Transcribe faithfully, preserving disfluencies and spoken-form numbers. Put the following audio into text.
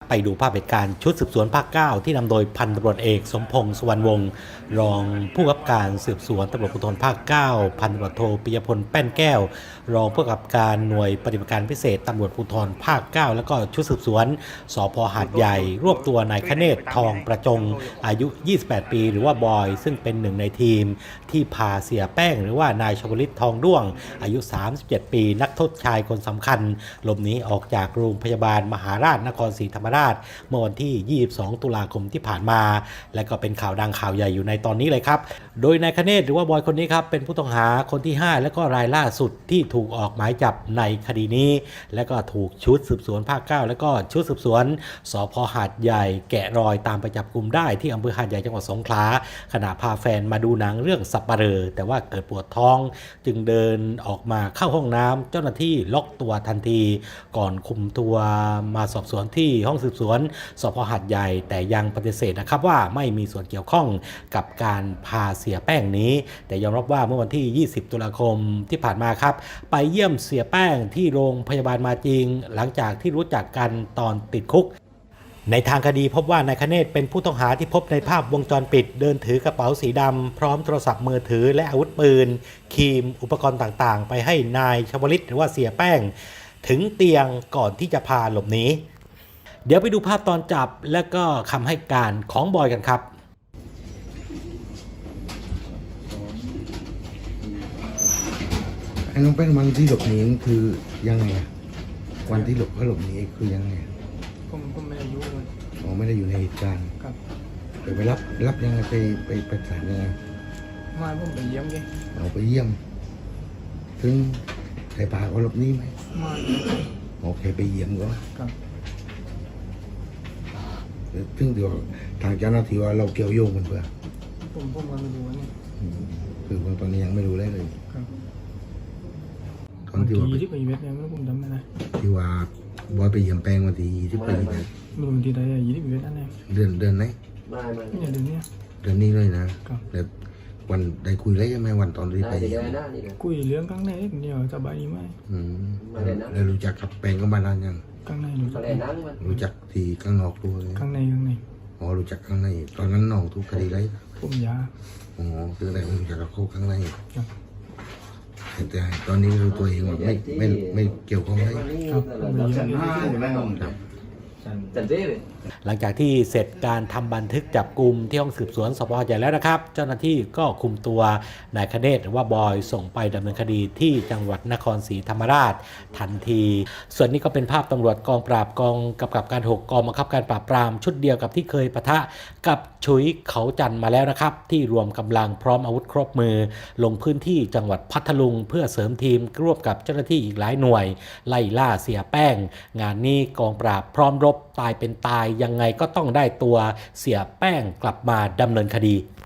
ไปดูภาพเหตุการณ์ชุดสืบสวนภาคเก้าที่นำโดยพันตำรวจเอกสมพงษ์สุวรรณวงศ์รองผู้กำกับการสืบสวนตำรวจภูธรภาคเก้าพันตำรวจโทปิยพลแป้นแก้วรองผู้กำกับการหน่วยปฏิบัติการพิเศษตำรวจภูธรภาคเก้าแล้วก็ชุดสืบสวนสพ.หาดใหญ่รวบตัวนายคเนศทองประจงอายุยี่สิบแปดปีหรือว่าบอยซึ่งเป็นหนึ่งในทีมที่พาเสียแป้งหรือว่านายชวลิตทองด้วงอายุสามสิบเจ็ดปีนักโทษชายคนสำคัญหลบหนีออกจากโรงพยาบาลมหาราชนครศรีธรรมราชเมื่อวันที่ยี่สิบสองตุลาคมที่ผ่านมาและก็เป็นข่าวดังข่าวใหญ่อยู่ในตอนนี้เลยครับโดยนายคเนศหรือว่าบอยคนนี้ครับเป็นผู้ต้องหาคนที่ห้าและก็รายล่าสุดที่ถูกออกหมายจับในคดีนี้และก็ถูกชุดสืบสวนภาคเก้าและก็ชุดสืบสวนสพ.หาดใหญ่แกะรอยตามไปจับกลุ่มได้ที่อำเภอหาดใหญ่จังหวัดสงขลาขณะพาแฟนมาดูหนังเรื่องสัปเหร่อแต่ว่าเกิดปวดท้องจึงเดินออกมาเข้าห้องน้ำเจ้าหน้าที่ล็อกตัวทันทีก่อนคุมตัวมาสอบสวนที่ห้องสืบสวนสพ.หาดใหญ่แต่ยังปฏิเสธนะครับว่าไม่มีส่วนเกี่ยวข้องกับการพาเสียแป้งนี้แต่ยอมรับว่าเมื่อวันที่ยี่สิบตุลาคมที่ผ่านมาครับไปเยี่ยมเสียแป้งที่โรงพยาบาลมาจริงหลังจากที่รู้จักกันตอนติดคุกในทางคดีพบว่านายคเนศเป็นผู้ต้องหาที่พบในภาพวงจรปิดเดินถือกระเป๋าสีดำพร้อมโทรศัพท์มือถือและอาวุธปืนครีมอุปกรณ์ต่างๆไปให้นายชวลิตหรือว่าเสียแป้งถึงเตียงก่อนที่จะพาหลบหนีเดี๋ยวไปดูภาพตอนจับและก็คำให้การของบอยกันครับไอ้น้องแป้งวันที่หลบหนีคือยังไงอะวันที่หลบเขาหลบหนีคือยังไงผมผมไม่ได้อยู่เลยอ๋อไม่ได้อยู่ในเหตุการณ์ครับไปไปรับรับยังไงไปไปไปศาลยังไงมาผมไปเยี่ยมแกเอาไปเยี่ยม ถึงใครพาเขาหลบหนีไหมมาโอเคไปเยี่ยมก็ครับถึงเดี๋ยวทางเจ้าหน้าที่ว่าเราเกี่ยวโยงกันเพื่อผมผมก็ไม่รู้ว่านี่อืมคือว่าตอนนี้ยังไม่รู้เลยเลยครับตอนที่ว่าวันที่ไปเวทเนี่ยไม่รู้ผมจำไม่ได้ที่ว่าบอยไปเยี่ยมแป้งวันที่ที่ไปไม่รู้วันที่ใดอะยี่สิบเวทนั่นเองเดือนเดือนไหนไม่ไม่ไม่ใช่เดือนเนี้ยเดือนนี้เลยนะครับ แล้ววันได้คุยแล้วใช่ไหมวันตอนที่ไปน่าจะเยี่ยเยมอะนะนี่นะคุยเรื่องข้างในเดียวสบายดีไหมอืมแล้วรู้จักกับแป้งก็มานานยังข้างในรู้จัเขากเล่นนั่งมันรู้จักที่ข้างนอกตัวเลยข้างในข้างในอ๋อรู้จักข้างในตอนนั้นน้องทุกคดีไรผมยาอ๋อคืออะไรรู้จักกับเขาข้างในครับแต่ตอนนี้รู้ตัวเองว่าไม่ไม่ไม่เกี่ยวข้องเลยครับผมไปเยี่ยมแกครับจันเจ้เลยหลังจากที่เสร็จการทำบันทึกจับกลุ่มที่ห้องสืบสวนสพ.หาดใหญ่แล้วนะครับเจ้าหน้าที่ก็คุมตัวนายคเนศหรือว่าบอยส่งไปดำเนินคดีที่จังหวัดนครศรีธรรมราชทันทีส่วนนี้ก็เป็นภาพตำรวจกองปราบกองกำกับการหกกองบังคับการปราบปรามชุดเดียวกับที่เคยปะทะกับฉุยเขาจันทร์มาแล้วนะครับที่รวมกำลังพร้อมอาวุธครบมือลงพื้นที่จังหวัดพัทลุงเพื่อเสริมทีมร่วมกับเจ้าหน้าที่อีกหลายหน่วยไล่ล่าเสียแป้งงานนี้กองปราบพร้อมรบตายเป็นตายยังไงก็ต้องได้ตัวเสียแป้งกลับมาดำเนินคดี